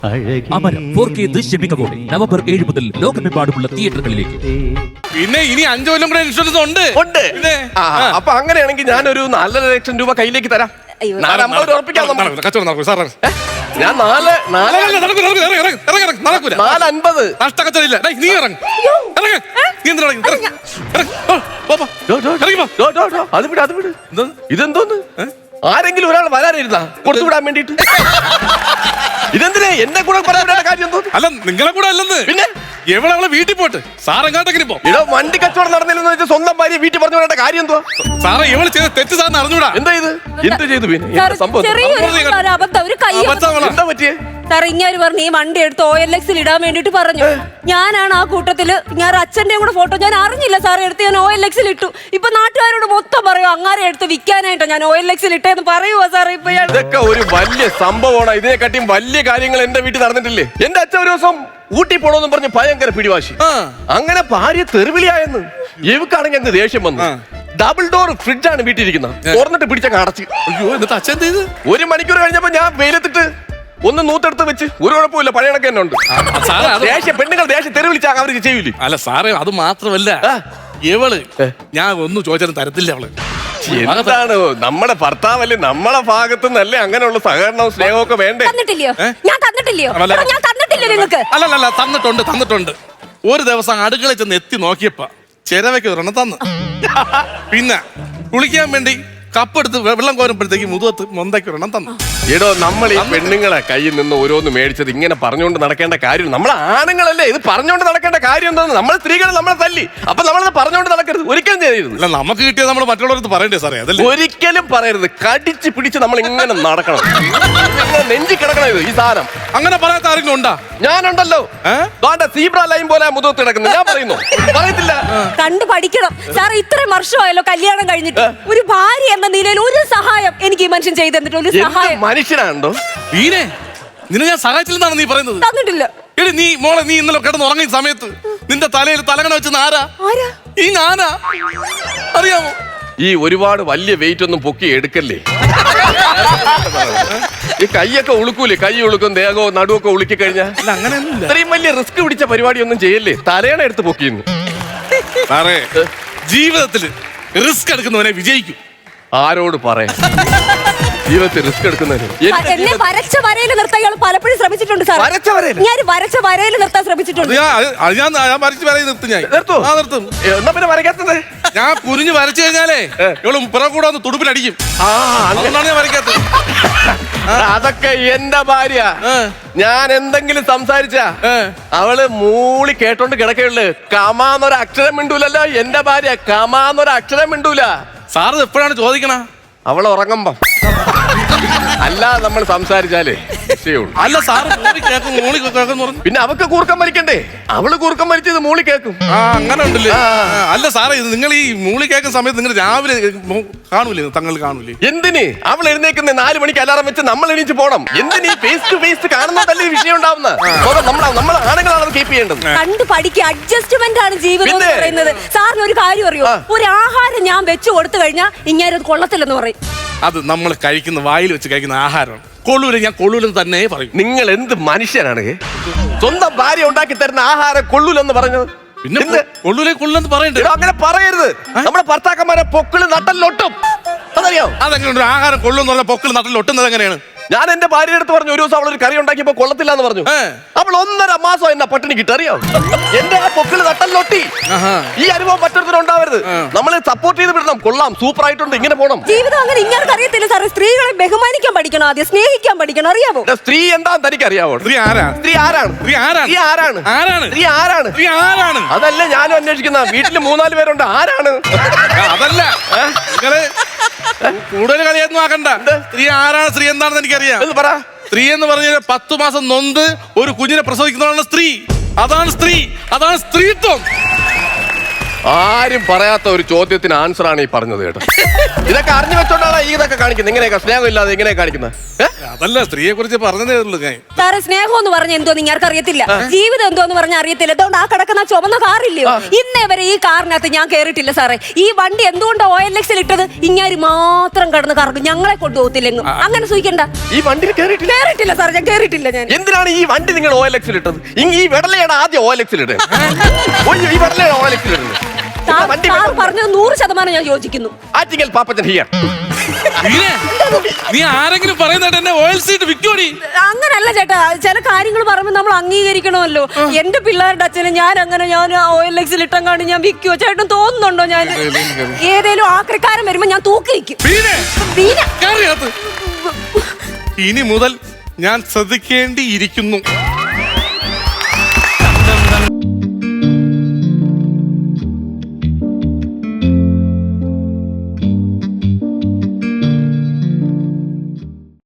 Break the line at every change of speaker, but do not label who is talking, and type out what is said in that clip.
അമരം 4K ദൃശ്യമികവോടെ November 7 മുതൽ ലോകമെമ്പാടുമുള്ള തിയേറ്ററുകളിലേക്ക്.
പിന്നെ ഇനി 5 കൊല്ലം കൂടെ ഇൻഷുറൻസ് ഉണ്ട്.
പിന്നെ അപ്പൊ അങ്ങനെയാണെങ്കിൽ ഞാനൊരു 4.5 ലക്ഷം രൂപ കയ്യിലേക്ക് തരാം. 450 ഉറപ്പിക്കാം.
കച്ചവടം നടക്കും സാർ.
ഞാൻ 450
നഷ്ടക്കച്ചവടം ഇല്ല. നീ ഇറങ്ങ്.
അത് വിട്. ഇതെന്തോന്ന്? ആരെങ്കിലും ഒരാൾ വരാനിരുന്നാ കൊടുത്തുവിടാൻ വേണ്ടിട്ട്? ഇതെന്തിനാ എന്നെ കൂടെ പറയാൻ കാര്യം എന്തോ?
അല്ല നിങ്ങളെ കൂടെ അല്ലെന്ന്. പിന്നെ എവളെ വീട്ടിൽ പോട്ട് സാർ എങ്ങാട്ടെങ്കിലും പോ.
ഇടോ വണ്ടി കച്ചവടം നടന്നില്ലെന്ന് വെച്ചാൽ സ്വന്തം ഭാര്യ വീട്ടിൽ പറഞ്ഞു വിടേണ്ട കാര്യം എന്തോ?
സാറേ ഇവള് ചെയ്ത തെറ്റ് സാറിന് അറിഞ്ഞൂടാ.
എന്താ ഇത്? എന്ത് ചെയ്തു? പിന്നെ സംഭവം എന്താ പറ്റിയേ?
സാർ ഇങ്ങനെ പറഞ്ഞു ഈ വണ്ടി എടുത്ത് OLX ഇടാൻ വേണ്ടിട്ട് പറഞ്ഞു. ഞാനാണ് ആ കൂട്ടത്തില് ഞാൻ അച്ഛന്റെ കൂടെ ഫോട്ടോ ഞാൻ അറിഞ്ഞില്ല സാറേ എടുത്ത് ഞാൻ OLX ഇട്ടു. ഇപ്പൊ നാട്ടുകാരോട് മൊത്തം പറയൂ അങ്ങാരെ എടുത്ത് വിൽക്കാനായിട്ടോ ഞാൻ OLX ഇട്ടേന്ന് പറയുവോ സാറേ? ഇപ്പൊ
ഇതൊക്കെ ഒരു വലിയ സംഭവമാണ്. ഇതിനെക്കാട്ടിയും വലിയ കാര്യങ്ങൾ എന്റെ വീട്ടിൽ നടന്നിട്ടില്ലേ? എന്റെ അച്ഛൻ ഒരു ദിവസം ഊട്ടി പോണോന്ന് പറഞ്ഞ് ഭയങ്കര പിടിവാശി. അങ്ങനെ ഭാര്യ തെറിവിളിയായെന്ന് എവക്കാണെങ്കിൽ അങ്ങ് ദേഷ്യം വന്നു. ഡബിൾ ഡോർ ഫ്രിഡ്ജാണ് വീട്ടിലിരിക്കുന്നത്. തുറന്നിട്ട് പിടിച്ചങ്ങ് അടച്ച്.
അയ്യോ എന്നിട്ട് അച്ഛൻ എന്ത് ചെയ്ത്?
1 മണിക്കൂർ കഴിഞ്ഞപ്പോ ഞാൻ വെയിലത്തിട്ട് ഒന്ന് നൂത്തെടുത്ത് വെച്ച് ഒരു കുഴപ്പമില്ല, പഴയ കണക്ക് തന്നെ ഉണ്ട്. പെണ്ണുങ്ങൾ ദേഷ്യം തെറിവിളിച്ചാൽ അവർക്ക് ചെയ്യൂലേ?
അല്ല സാറേ അത് മാത്രമല്ല ഇവള് ഞാൻ ഒന്നും ചോദിച്ചാലും തരത്തില്ല. അവള്
എന്താണ് നമ്മുടെ ഭർത്താവല്ലേ, നമ്മളെ ഭാഗത്തു നിന്നല്ലേ അങ്ങനെയുള്ള സഹകരണവും സ്നേഹവും ഒക്കെ വേണ്ടേ?
അല്ലല്ല തന്നിട്ടുണ്ട്. ഒരു ദിവസം അടുക്കള ചെന്ന് എത്തി നോക്കിയപ്പോ ചിരവയ്ക്ക് ഒരെണ്ണം തന്നു. പിന്നെ കുളിക്കാൻ വേണ്ടി കപ്പെടുത്ത് വെള്ളം കോരുമ്പോഴത്തേക്ക് മുതുകത്ത് മൊന്തയ്ക്ക് ഒരെണ്ണം തന്നു.
എടോ നമ്മൾ ഈ പെണ്ണുങ്ങളെ കയ്യിൽ നിന്ന് ഓരോന്ന് മേടിച്ചത് ഇങ്ങനെ പറഞ്ഞുകൊണ്ട് നടക്കേണ്ട കാര്യം? നമ്മൾ ആണുങ്ങളല്ലേ, ഇത് പറഞ്ഞുകൊണ്ട് നടക്കേണ്ട കാര്യം എന്താന്ന്? നമ്മൾ സ്ത്രീകൾ നമ്മളെ തല്ലി, അപ്പൊ നമ്മളത് പറഞ്ഞുകൊണ്ട് നടക്കരുത്. ഒരിക്കലും ചെയ്യരുത്.
അല്ല നമുക്ക് കിട്ടിയത് നമ്മൾ മറ്റുള്ളവർക്ക് പറയണ്ടേ സാറേ? അതല്ലേ
ഒരിക്കലും പറയരുത്. കടിച്ച് പിടിച്ച് നമ്മൾ ഇങ്ങനെ നടക്കണം, നെഞ്ചി കിടക്കണം. ഇത് ഈ സാധനം
അങ്ങനെ പറയാത്ത ആരെങ്കിലും ഉണ്ടാ?
ഞാനുണ്ടല്ലോ. സീബ്ര ലൈൻ പോലെ മുതുകത്ത് കിടക്കുന്നത് ഞാൻ പറയുന്നു. പറയത്തില്ല.
കണ്ടു പഠിക്കണം സാർ. ഇത്രയും വർഷമായല്ലോ കല്യാണം കഴിഞ്ഞിട്ട്. ഒരു ഭാര്യ എന്ന നിലയിൽ ഒരു സഹായം എനിക്ക് ഈ മനുഷ്യൻ ചെയ്തു തന്നിട്ട് ഒരു സഹായം.
മനുഷ്യനാണോ
വീണേ? നിന്നെ ഞാൻ സഹായിച്ചില്ലെന്നാണ് നീ പറയുന്നത്?
തന്നിട്ടില്ല.
എടി നീ മോളെ, നീ ഇന്നലെ കിടന്ന് ഉറങ്ങിയ സമയത്ത് നിന്റെ തലയിൽ തലകണ വെച്ചത് ആരാ? ഈ ഞാനാ. അറിയാമോ?
ഈ ഒരുപാട് വലിയ വെയിറ്റ് ഒന്നും പൊക്കി എടുക്കല്ലേ. ഈ കൈയൊക്കെ ഉളുക്കൂലേ? കൈ ഉളുക്കും, ദേഹവും നടുവൊക്കെ ഉളുക്കി കഴിഞ്ഞാൽ
അങ്ങനെയൊന്നുമില്ല.
ഇത്രയും വലിയ റിസ്ക് പിടിച്ച പരിപാടി ഒന്നും ചെയ്യല്ലേ. തലയണ എടുത്ത് പൊക്കിയിരുന്നു.
സാറേ ജീവിതത്തിൽ റിസ്ക് എടുക്കുന്നവനെ വിജയിക്കും.
ആരോട് പറയാം? ജീവിതത്തിൽ റിസ്ക് എടുക്കുന്നതിന്
എന്നെ വരച്ച വരയിൽ നിർത്താൻ ഇയാൾ പലപ്പോഴും ശ്രമിച്ചിട്ടുണ്ട് സാർ. ഞാൻ വരച്ച വരയിൽ നിർത്താൻ ശ്രമിച്ചിട്ടുണ്ട്.
നിർത്തും.
എന്നാ പിന്നെ വരയ്ക്കാത്തത്?
ഞാൻ കുനിഞ്ഞ് വരച്ചു കഴിഞ്ഞാലേ ഇവള് പുറകൂടെ ഒന്ന് തുടുപ്പിലടിക്കും. അതുകൊണ്ടാണ് ഞാൻ വരയ്ക്കാത്തത്.
അതൊക്കെ എന്റെ ഭാര്യ. ഞാൻ എന്തെങ്കിലും സംസാരിച്ച അവള് മൂളി കേട്ടോണ്ട് കിടക്കുള്ളു. കമാന്നൊരു അക്ഷരം മിണ്ടൂലല്ലോ എന്റെ ഭാര്യ. കമാന്നൊരു അക്ഷരം മിണ്ടൂല.
സാറ് എപ്പോഴാണ് ചോദിക്കണ?
അവള് ഉറങ്ങുമ്പം. അല്ല നമ്മൾ സംസാരിച്ചാലേ
അല്ല സാറ് മൂളി കേൾക്കും.
പിന്നെ അവക്ക് കൂർക്കം വലിക്കണ്ടേ? അവള് കൂർക്കം വലിച്ചത് മൂളി കേൾക്കും.
അങ്ങനെ ഉണ്ടല്ലേ? അല്ല സാറേ നിങ്ങൾ ഈ മൂളി കേൾക്കുന്ന സമയത്ത് നിങ്ങൾ രാവിലെ കാണൂലേ? തങ്ങൾ കാണൂലേ?
എന്തിന്? അവൾ എഴുന്നേക്കുന്ന 4 മണിക്ക് അലാറം വെച്ച് നമ്മൾ എണീച്ച് പോണം. എന്തിന് ഫേസ് ടു ഫേസ് കാണുന്നതല്ലേ വിഷയം ഉണ്ടാവുന്ന? നമ്മൾ ആണുങ്ങളാണ് കീപ്പ് ചെയ്യേണ്ടത്.
കണ്ടു പഠിക്കുക. അഡ്ജസ്റ്റ്മെന്റ് ആണ് ജീവിതം എന്ന് പറയുന്നത്. സാറിന് ഒരു കാര്യം അറിയോ? ഒരു ആഹാരം ഞാൻ വെച്ചു കൊടുത്തു കഴിഞ്ഞാൽ ഇങ്ങനെ അത് കൊള്ളത്തില്ലെന്ന് പറയും.
അത് നമ്മൾ കഴിക്കുന്ന വായിൽ വെച്ച് കഴിക്കുന്ന ആഹാരമാണ്. കൊള്ളൂര് ഞാൻ കൊള്ളൂലെന്ന് തന്നെ പറയും.
നിങ്ങൾ എന്ത് മനുഷ്യനാണ്? സ്വന്തം ഭാര്യ ഉണ്ടാക്കി തരുന്ന ആഹാരം കൊള്ളൂലെന്ന് പറഞ്ഞത്?
പിന്നെ കൊള്ളൂലെന്ന് പറയണ്ടേ?
അങ്ങനെ പറയരുത്. നമ്മുടെ ഭർത്താക്കന്മാരെ പൊക്കിള് നട്ടലിലൊട്ടും. അതറിയോ?
അതെങ്ങനെ ആഹാരം കൊള്ളുന്ന പറഞ്ഞ പൊക്കിള് നട്ടലിൽ ഒട്ടുന്നത് എങ്ങനെയാണ്?
ഞാൻ എന്റെ ഭാര്യയുടെ അടുത്ത് പറഞ്ഞു, ഒരു ദിവസം അവളൊരു കറി ഉണ്ടാക്കിയപ്പോ കൊള്ളത്തില്ല എന്ന് പറഞ്ഞു. അവൾ 1.5 മാസം എന്നാ പട്ടിണി കിട്ടറിയോ? എന്റെ ആ പൊക്കിള് നട്ടലിലൊട്ടി. ഈ അനുഭവം മറ്റൊരുത്തരും ഉണ്ടാവരുത്. നമ്മൾ സപ്പോർട്ട് ചെയ്ത് വിടണം. കൊള്ളാം, സൂപ്പർ ആയിട്ടുണ്ട്, ഇങ്ങനെ പോണം.
ജീവിതം അങ്ങനെ ഇങ്ങനെ അറിയത്തില്ല സാറേ. സ്ത്രീകളെ ബഹുമാനിക്കാൻ പഠിക്കണം, ആദ്യം സ്നേഹിക്കാൻ പഠിക്കണം. അറിയാമോ
സ്ത്രീ എന്താന്ന് തനിക്ക് അറിയാമോ?
സ്ത്രീ ആരാണ്?
സ്ത്രീ ആരാണ്?
സ്ത്രീ ആരാണ്?
സ്ത്രീ ആരാണ്?
ആരാണ്?
സ്ത്രീ ആരാണ്?
സ്ത്രീ ആരാണ്?
അതല്ല ഞാനും അന്വേഷിക്കുന്ന. വീട്ടിൽ 3-4 പേരുണ്ട്. ആരാണ്?
അതല്ല കൂടുതൽ കളിയൊന്നും ആക്കണ്ട. സ്ത്രീ ആരാണ്? സ്ത്രീ എന്താണെന്ന് എനിക്കറിയാം.
പറ.
സ്ത്രീ എന്ന് പറഞ്ഞാൽ 10 മാസം നൊന്ത് ഒരു കുഞ്ഞിനെ പ്രസവിക്കുന്നതാണ് സ്ത്രീ. അതാണ് സ്ത്രീ. അതാണ് സ്ത്രീത്വം.
ആരും പറയാത്ത ഒരു ചോദ്യത്തിന് ആൻസർ ആണ് ഈ പറഞ്ഞത് കേട്ടോ. ഇതൊക്കെ അറിഞ്ഞു വെച്ചോണ്ടാണ് ഈ ഇതൊക്കെ കാണിക്കുന്നത്. ഇങ്ങനെയൊക്കെ സ്നേഹം ഇല്ലാതെ എങ്ങനെയാ കാണിക്കുന്നത്?
അതല്ല, സ്ത്രീയെ കുറിച്ച് പറഞ്ഞതേ ഉള്ളൂ ഞാൻ.
സാറേ സ്നേഹം എന്ന് പറഞ്ഞ എന്തോ നിങ്ങൾക്ക് അറിയത്തില്ല, ജീവിതം എന്തോന്ന് പറഞ്ഞാൽ അറിയത്തില്ല. അതുകൊണ്ട് ആ കിടക്കുന്ന ചുമന്ന കാറില്ലയോ, ഇന്നേ വരെ ഈ കാറിനകത്ത് ഞാൻ കേറിയിട്ടില്ല സാറേ. ഈ വണ്ടി എന്തുകൊണ്ട് OLX ഇട്ടത്? ഇങ്ങാര് മാത്രം കടന്ന് കറക്കും, ഞങ്ങളെ കൊണ്ടുപോകത്തില്ലെങ്ങും. അങ്ങനെ സൂഹിക്കണ്ട.
ഈ വണ്ടിയിൽ
കേറിയിട്ടില്ല സാർ, ഞാൻ കേറിയിട്ടില്ല. ഞാൻ
എന്തിനാണ് ഈ വണ്ടി നിങ്ങൾ OLX ഇട്ടത്? ഈ വെടലയാണ് ആദ്യം OLX ഇട്ടത്. ഈ വെടലയാണ് OLX ഇടുന്നത്.
സാർ പറഞ്ഞത് 100% ഞാൻ യോജിക്കുന്നു.
ആറ്റിങ്ങൽ പാപ്പച്ചൻ ഹിയർ.
നീ ആരെങ്കിലും പറയുന്നത് എന്നെ ഓയിൽ സീറ്റ് വിൽക്കോടി?
അങ്ങനല്ല ചേട്ടാ, ചില കാര്യങ്ങൾ പറയുമ്പോൾ നമ്മൾ അംഗീകരിക്കണമല്ലോ. എന്റെ പിള്ളേരുടെ അച്ഛനെ ഞാൻ OLX ഇട്ടം കാണി ഞാൻ വിൽക്കുവോ? ചേട്ടൻ തോന്നുന്നുണ്ടോ? ഞാൻ ഏതേലും ആക്രിക്കാരൻ വരുമ്പോ ഞാൻ തൂക്കി വയ്ക്കും.
ഇനി മുതൽ ഞാൻ ശ്രദ്ധിക്കേണ്ടിയിരിക്കുന്നു.